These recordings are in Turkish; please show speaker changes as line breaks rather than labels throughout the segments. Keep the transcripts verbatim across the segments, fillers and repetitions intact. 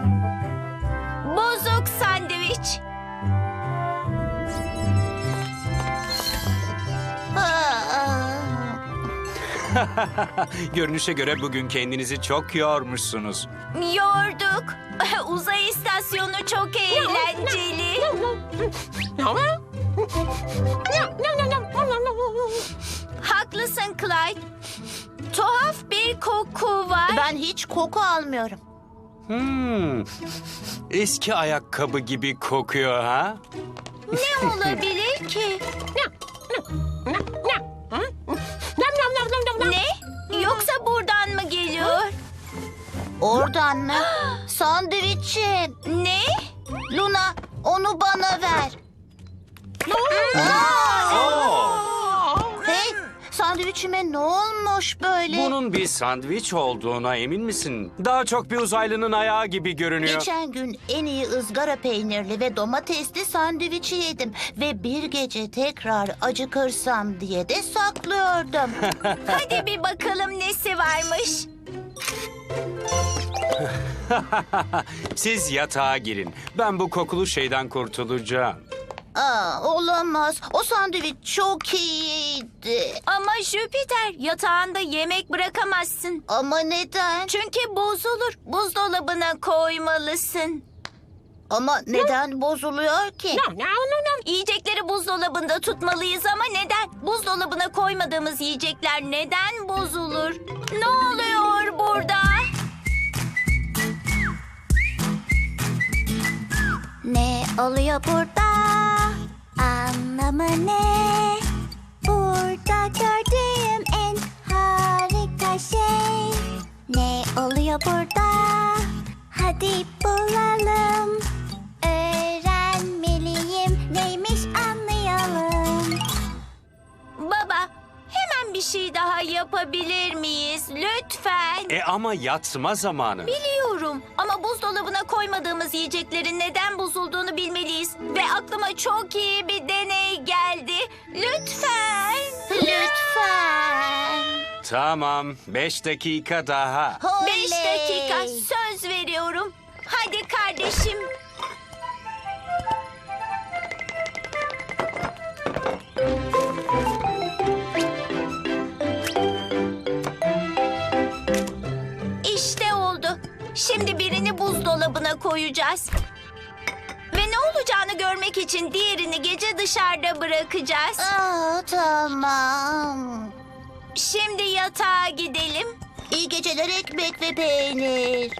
Bozuk sandviç.
Görünüşe göre bugün kendinizi çok yormuşsunuz.
Yorduk. Uzay istasyonu çok eğlenceli. Haklısın Clyde. Tuhaf bir koku var.
Ben hiç koku almıyorum.
Hmm. Eski ayakkabı gibi kokuyor ha?
Ne olabilir ki? Ne? Yoksa buradan mı geliyor?
Oradan mı? Sandviçim.
Ne?
Luna, onu bana ver.
Oo,
Hey, sandviçime ne olmuş böyle?
bunun bir sandviç olduğuna emin misin? Daha çok bir uzaylının ayağı gibi görünüyor.
Geçen gün en iyi ızgara peynirli ve domatesli sandviçi yedim. Ve bir gece tekrar acıkırsam diye de saklıyordum.
Hadi bir bakalım nesi varmış.
Siz yatağa girin. Ben bu kokulu şeyden kurtulacağım.
Aa, olamaz. O sandviç çok iyiydi.
Ama Jüpiter, yatağında yemek bırakamazsın.
Ama neden?
Çünkü bozulur. Buzdolabına koymalısın.
Ama neden bozuluyor ki?
Yiyecekleri buzdolabında tutmalıyız ama neden? Buzdolabına koymadığımız yiyecekler neden bozulur? Ne oluyor burada?
Ne oluyor burada? Anlamı ne? Burada gördüğüm en harika şey. Ne oluyor burada? Hadi bulalım. Öğrenmeliyim. Neymiş anlayalım.
Baba, hemen bir şey daha yapabilir miyiz? Lütfen.
E ama yatma zamanı.
Biliyorum ama buzdolabına koymadığımız yiyeceklerin neden bozulduğunu bilmeliyiz. Ve aklıma çok iyi bir deney geldi. Lütfen.
Lütfen.
Tamam, beş dakika daha.
Beş
Oley.
dakika söz veriyorum. Hadi kardeşim. İşte oldu. Şimdi birini buzdolabına koyacağız. Ve ne olacağını görmek için diğerini gece dışarıda bırakacağız.
Aa, tamam.
Şimdi yatağa gidelim.
İyi geceler ekmek ve peynir.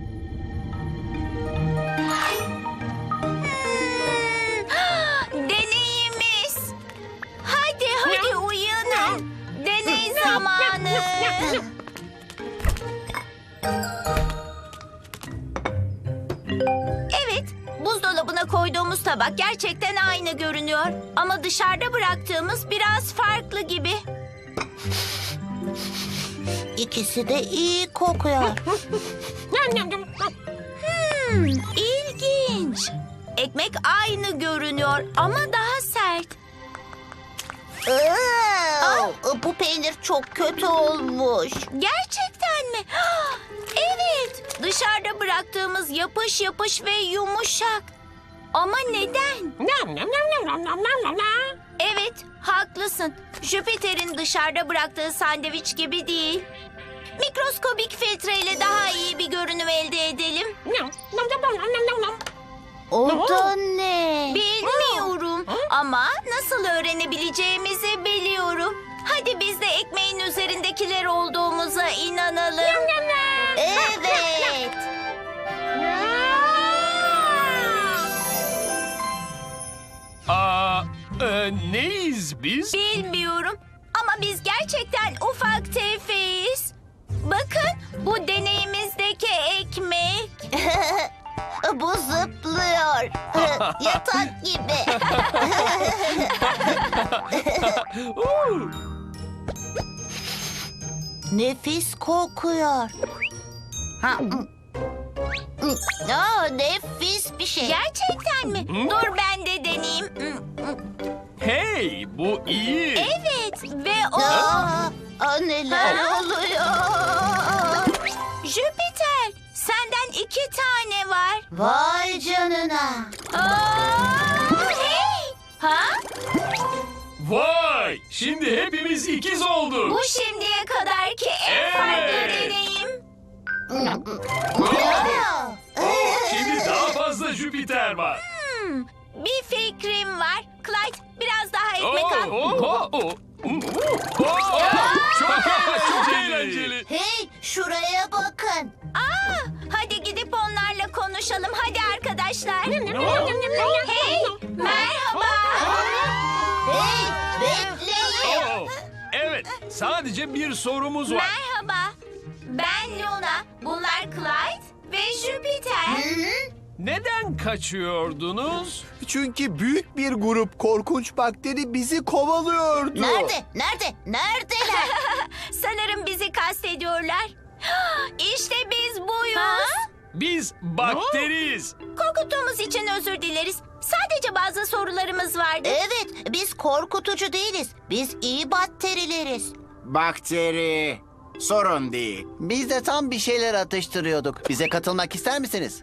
Deneyimiz. Hadi hadi uyanın. Deney zamanı. Evet, buzdolabına koyduğumuz tabak gerçekten aynı görünüyor. Ama dışarıda bıraktığımız biraz farklı gibi.
İkisi de iyi kokuyor.
Hmm, ilginç. Ekmek aynı görünüyor ama daha sert.
Aa, bu peynir çok kötü olmuş.
Gerçekten mi? Evet, dışarıda bıraktığımız yapış yapış ve yumuşak. Ama neden? Evet, haklısın. Jüpiter'in dışarıda bıraktığı sandviç gibi değil. Mikroskobik filtreyle daha iyi bir görünüm elde edelim.
O da ne?
Bilmiyorum ama nasıl öğrenebileceğimizi biliyorum. Hadi biz de ekmeğin üzerindekiler olduğumuza inanalım.
Evet.
Aa, e, neyiz biz?
Bilmiyorum ama biz gerçekten ufak tefeyiz. Bakın bu deneyimizdeki ekmek.
Bu zıplıyor. Yatak gibi.
Oo,
Nefis kokuyor. Ha, mm. Mm. Aa, nefis bir şey.
Gerçekten mi? Dur ben de deneyeyim.
hey, bu iyi.
Evet ve o...
Aa, aa, neler
Ha?
oluyor?
Jüpiter, senden iki tane var.
Vay canına.
Aa, hey! Ha?
Vay! Şimdi hepimiz ikiz olduk.
Bu şimdiye kadarki en
Evet.
farklı deneyim.
Aa,
Şimdi daha fazla Jüpiter var.
Bir fikrim var. Clyde, biraz daha ekmek
Oo,
al.
oo, oo. Oo, Çok, çok eğlenceli.
hey, şuraya bakın.
Aa, hadi gidip onlarla konuşalım. Hadi arkadaşlar. Hey, merhaba.
Hey, bekleyin.
Oo, Evet, sadece bir sorumuz var.
Merhaba. Ben Luna. Bunlar Clyde ve Jüpiter.
Neden kaçıyordunuz?
Çünkü büyük bir grup korkunç bakteri bizi kovalıyordu.
Nerede? Nerede? Neredeler?
Sanırım bizi kastediyorlar. İşte biz buyuz.
Biz bakteriyiz.
Korkuttuğumuz için özür dileriz. Sadece bazı sorularımız vardı.
Evet, biz korkutucu değiliz. Biz iyi bakterileriz.
Bakteri. Sorun değil.
Biz de tam bir şeyler atıştırıyorduk. Bize katılmak ister misiniz?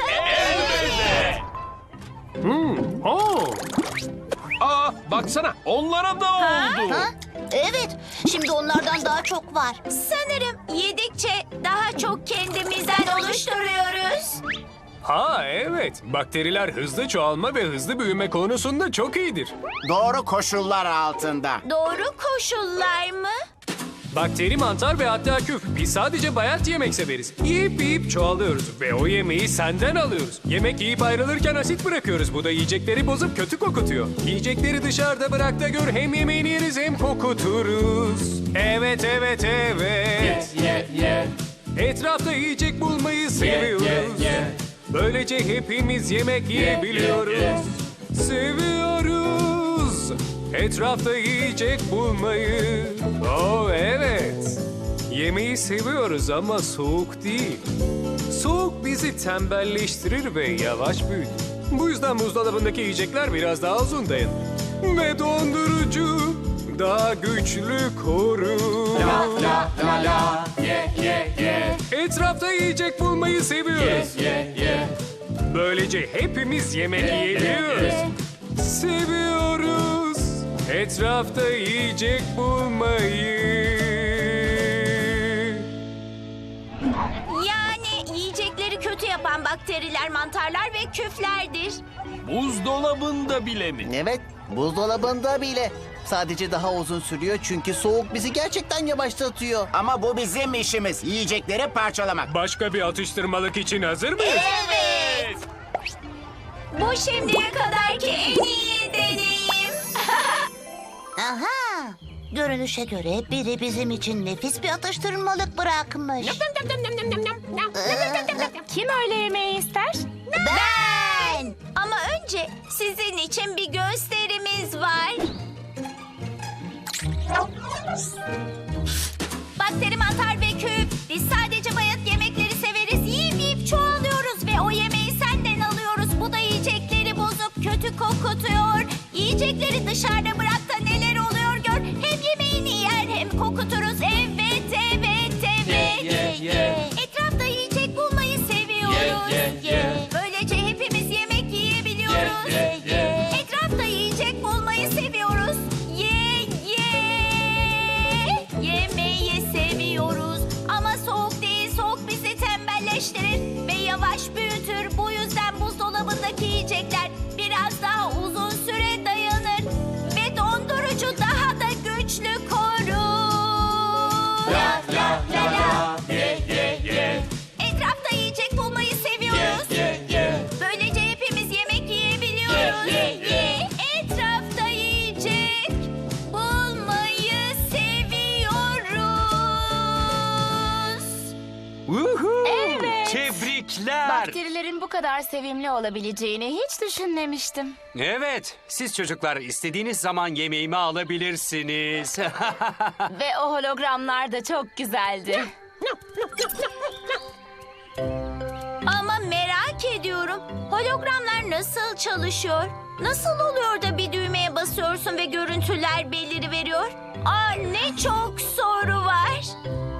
Oo. Aa, baksana onlara da oldu.
Ha? Evet, şimdi onlardan daha çok var.
Sanırım yedikçe daha çok kendimizden oluşturuyoruz.
Ha evet, bakteriler hızlı çoğalma ve hızlı büyüme konusunda çok iyidir.
Doğru koşullar altında.
Doğru koşullar mı?
Bakteri, mantar ve hatta küf. Biz sadece bayat yemek severiz. Yiyip yiyip çoğalıyoruz ve o yemeği senden alıyoruz. Yemek yiyip ayrılırken asit bırakıyoruz. Bu da yiyecekleri bozup kötü kokutuyor. Yiyecekleri dışarıda bırak da gör, hem yemeğini yeriz hem kokuturuz. Evet evet evet. Etrafta yiyecek bulmayı seviyoruz. Böylece hepimiz yemek yiyebiliyoruz. Seviyoruz etrafta yiyecek bulmayı. Oh evet. Yemeği seviyoruz ama soğuk değil. Soğuk bizi tembelleştirir ve yavaş büyütür. Bu yüzden buzdolabındaki yiyecekler biraz daha uzun dayanır. Ve dondurucu daha güçlü korur. Etrafta yiyecek bulmayı seviyoruz. Böylece hepimiz yemek yiyebiliyoruz. Seviyoruz etrafta yiyecek bulmayı.
Yani yiyecekleri kötü yapan bakteriler, mantarlar ve küflerdir.
Buzdolabında bile mi?
Evet, buzdolabında bile. Sadece daha uzun sürüyor çünkü soğuk bizi gerçekten yavaşlatıyor.
Ama bu bizim işimiz. Yiyecekleri parçalamak.
Başka bir atıştırmalık için hazır mıyız?
Evet. Bu şimdiye kadarki en iyi deneyim.
Aha, görünüşe göre biri bizim için nefis bir atıştırmalık bırakmış.
Kim öğle yemeği ister?
Ben. Ama önce sizin için bir gösterimiz var. Bakteri, mantar ve küf. Biz sadece bayat yemekleri severiz. Yiyip yiyip çoğalıyoruz ve o yemeği senden alıyoruz. Bu da yiyecekleri bozup kötü kokutuyor. Yiyecekleri dışarıda bırak da neler oluyor gör. Hem yemeğini yer hem kokuturuz. Evet, evet, evet. Etrafta yiyecek bulmayı seviyoruz. Böylece hepimiz yemek yiyebiliyoruz. Etrafta yiyecek bulmayı seviyoruz. Ye, ye. Yemeği seviyoruz. Ama soğuk değil, soğuk bizi tembelleştirir ve yavaş büyütür. Bu yüzden buzdolabındaki yiyecekler biraz daha uzun süre dayanır ve dondurucu daha da güçlü korur. La la la la. Etrafta yiyecek bulmayı seviyoruz. Böylece hepimiz yemek yiyebiliyoruz. Etrafta yiyecek bulmayı seviyoruz.
Woohoo!
Evet.
Tebrikler.
Bakterilerin bu kadar sevimli olabileceğini hiç düşünmemiştim.
Evet, siz çocuklar istediğiniz zaman yemeğimi alabilirsiniz.
Ve o hologramlar da çok güzeldi.
Ama merak ediyorum. Hologramlar nasıl çalışıyor? Nasıl oluyor da bir düğmeye basıyorsun ve görüntüler beliriveriyor? Aa, ne çok soru var.